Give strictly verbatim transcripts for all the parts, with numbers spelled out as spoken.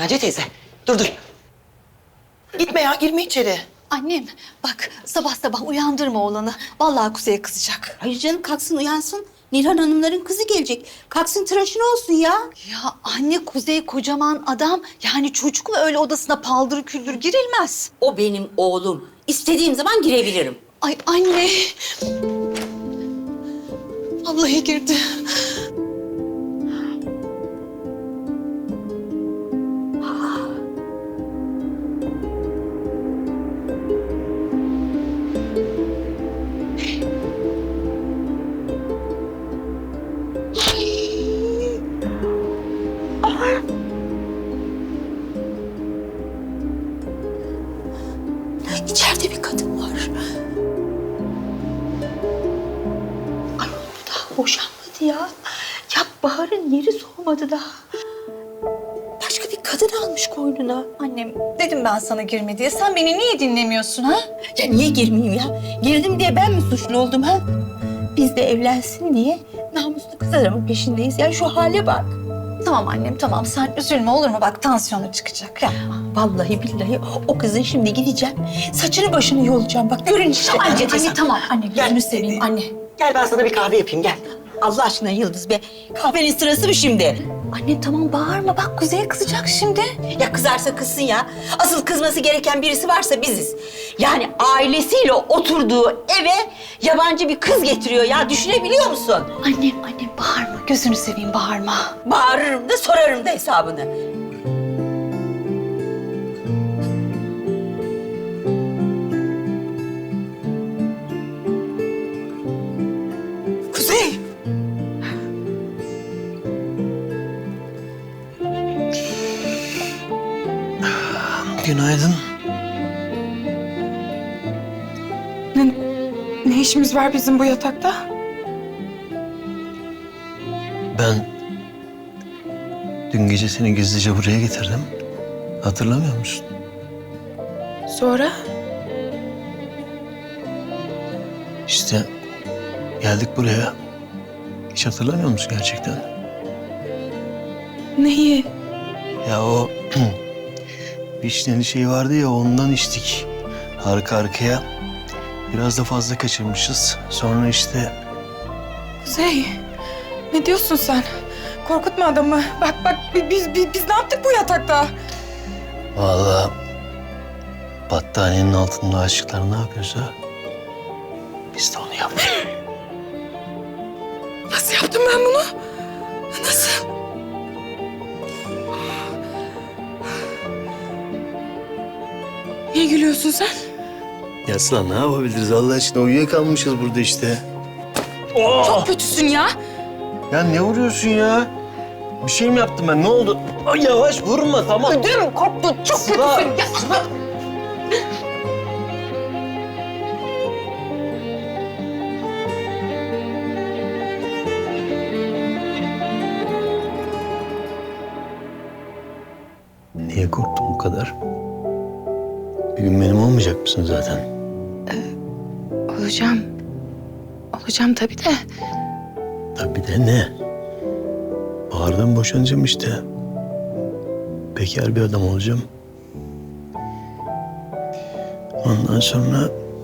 Naciye teyze, dur dur. Gitme ya, girme içeri. Annem bak sabah sabah uyandırma oğlanı. Vallahi Kuzey'e kızacak. Hayır canım kalksın uyansın. Nilhan Hanımların kızı gelecek. Kalksın tıraşını olsun ya. Ya anne Kuzey kocaman adam. Yani çocuk mu öyle odasına paldır küldür girilmez. O benim oğlum. İstediğim zaman girebilirim. Ay anne. Vallahi girdi. İçeride bir kadın var. Ay bu daha boşanmadı ya. Ya Bahar'ın yeri soğumadı daha. Başka bir kadın almış koynuna. Annem dedim ben sana girme diye. Sen beni niye dinlemiyorsun ha? Ya niye girmeyeyim ya? Girdim diye ben mi suçlu oldum ha? Biz de evlensin diye namuslu kız adamın peşindeyiz. Ya şu hale bak. Tamam annem tamam sen üzülme olur mu? Bak tansiyonu çıkacak. Yapma. Vallahi billahi o kızın şimdi gideceğim. Saçını başını yolacağım. Bak görün işte. Anne, Anne, anne tamam. Anne gözünü seveyim anne. Gel ben sana bir kahve yapayım, gel. Allah aşkına Yıldız be. Kahvenin sırası mı şimdi? Anne tamam bağırma. Bak Kuzey'e kızacak şimdi. Ya kızarsa kızsın ya. Asıl kızması gereken birisi varsa biziz. Yani ailesiyle oturduğu eve yabancı bir kız getiriyor ya. Düşünebiliyor musun? Annem annem bağırma. Gözünü seveyim bağırma. Bağırırım da sorarım da hesabını. Kuzey! Günaydın. Ne, ne işimiz var bizim bu yatakta? Ben dün gece seni gizlice buraya getirdim. Hatırlamıyor musun? Sonra? İşte geldik buraya. Hiç hatırlamıyor musun gerçekten? Neyi? Ya o vişneli şey vardı ya ondan içtik. Arka arkaya. Biraz da fazla kaçırmışız. Sonra işte Kuzey, ne diyorsun sen? Korkutma adamı. Bak bak bi- biz, biz, biz ne yaptık bu yatakta? vallahi battaniyenin altında aşıklar ne yapıyorsa biz de onu yaptık. Nasıl yaptım ben bunu? Nasıl? Niye gülüyorsun sen? Ya Sıla ne yapabiliriz Allah aşkına uyuyakalmışız burada işte. Çok kötüsün ya. Ya ne vuruyorsun ya? Bir şey mi yaptım ben? Ne oldu? Ay yavaş vurma tamam. Ödüm koptu. Çok Sıla. kötüsün. Ya. Niye korktun bu kadar? Bir gün benim olmayacak mısın zaten? Olacağım. Olacağım tabii de. Tabii de ne? Bahar'dan boşanacağım işte. Bekar bir adam olacağım. Ondan sonra...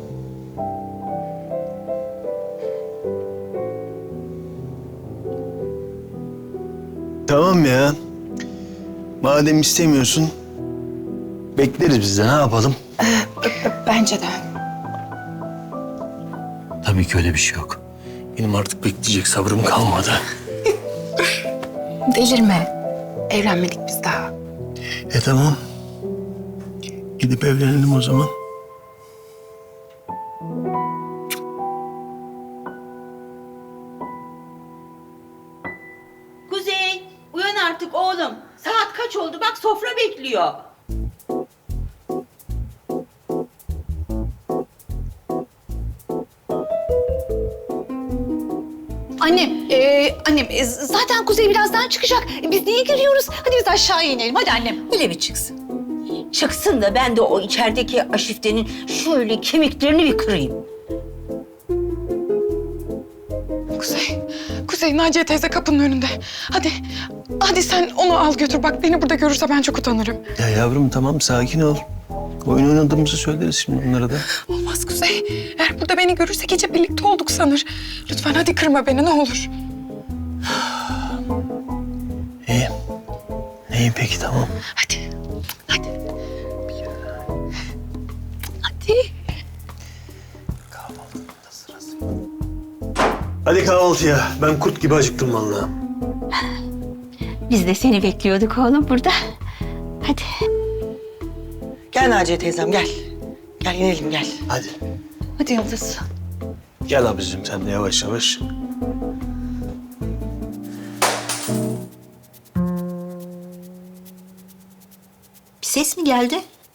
Tamam ya. Madem istemiyorsun, bekleriz biz de ne yapalım? Bence de. Tabii ki öyle bir şey yok. Benim artık bekleyecek sabrım kalmadı. Delirme. Evlenmedik biz daha. E tamam. Gidip evlenelim o zaman. Kuzey uyan artık oğlum. Saat kaç oldu bak sofra bekliyor. Annem, e, annem e, zaten Kuzey birazdan çıkacak. E, biz niye giriyoruz? Hadi biz aşağıya inelim. Hadi annem. Öyle bir çıksın. Çıksın da ben de o içerideki aşiftenin şöyle kemiklerini bir kırayım. Kuzey, Kuzey Kuzey, Naciye teyze kapının önünde. Hadi, hadi sen onu al götür. Bak beni burada görürse ben çok utanırım. Ya yavrum tamam sakin ol. Oyun oynadığımızı söyleriz şimdi onlara da. Olmaz Kuzey. Eğer burada beni görürse gece birlikte olduk sanır. Lütfen hadi kırma beni ne olur. İyi. İyi peki tamam. Hadi. Hadi. Hadi. Hadi kahvaltıya. Ben kurt gibi acıktım vallahi. Biz de seni bekliyorduk oğlum burada. Hadi. Gel Naciye teyzem gel. Gel inelim gel. Hadi. Hadi Yıldız. Gel abicim sen de yavaş yavaş. Bir ses mi geldi?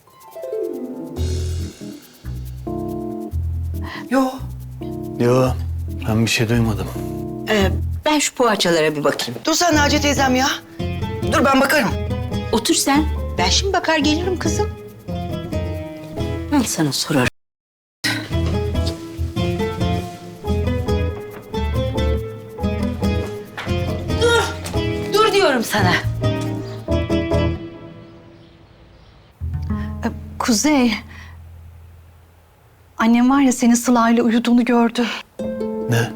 Yo. Yo ben bir şey duymadım. Ee, ben şu poğaçalara bir bakayım. Dur sen Naciye teyzem ya. Dur ben bakarım. Otur sen. Ben şimdi bakar gelirim kızım. Ben sana sorarım. Dur. Dur diyorum sana. Ee, Kuzey. Annem var ya senin Sıla'yla uyuduğunu gördü. Ne?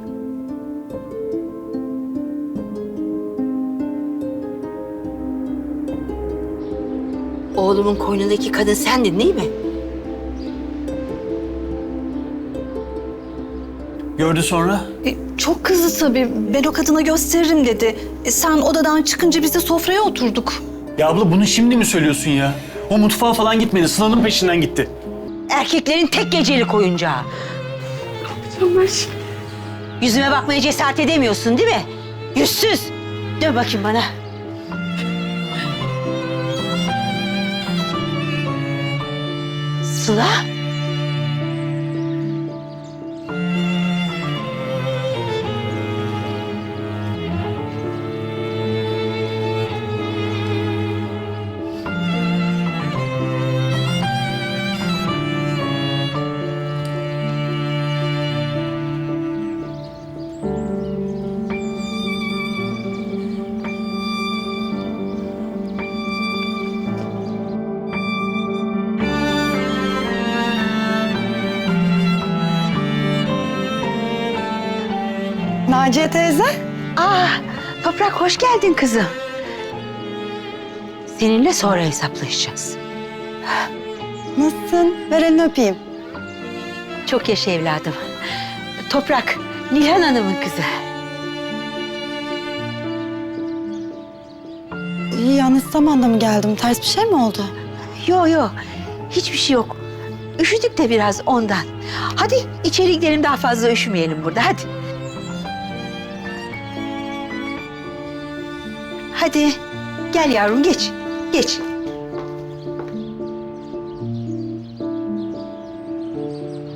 Oğlumun koynundaki kadın sendin değil mi? Gördü sonra? E, çok kızdı tabii. Ben o kadına gösteririm dedi. E, sen odadan çıkınca biz de sofraya oturduk. Ya abla bunu şimdi mi söylüyorsun ya? O mutfağa falan gitmedi. Sıla'nın peşinden gitti. Erkeklerin tek gecelik oyuncağı. Yüzüme bakmaya cesaret edemiyorsun değil mi? Yüzsüz. Dön bakayım bana. Sıla. Naciye teyze. Aa, Toprak hoş geldin kızım. Seninle sonra hesaplaşacağız. Nasılsın? Ver elini öpeyim. Çok yaşa evladım. Toprak, Nilhan Hanım'ın kızı. İyi yanlış zamanda mı geldim? Ters bir şey mi oldu? Yo yo, hiçbir şey yok. Üşüdük de biraz ondan. Hadi içeri gidelim daha fazla üşümeyelim burada, hadi. Hadi, gel yavrum geç, geç.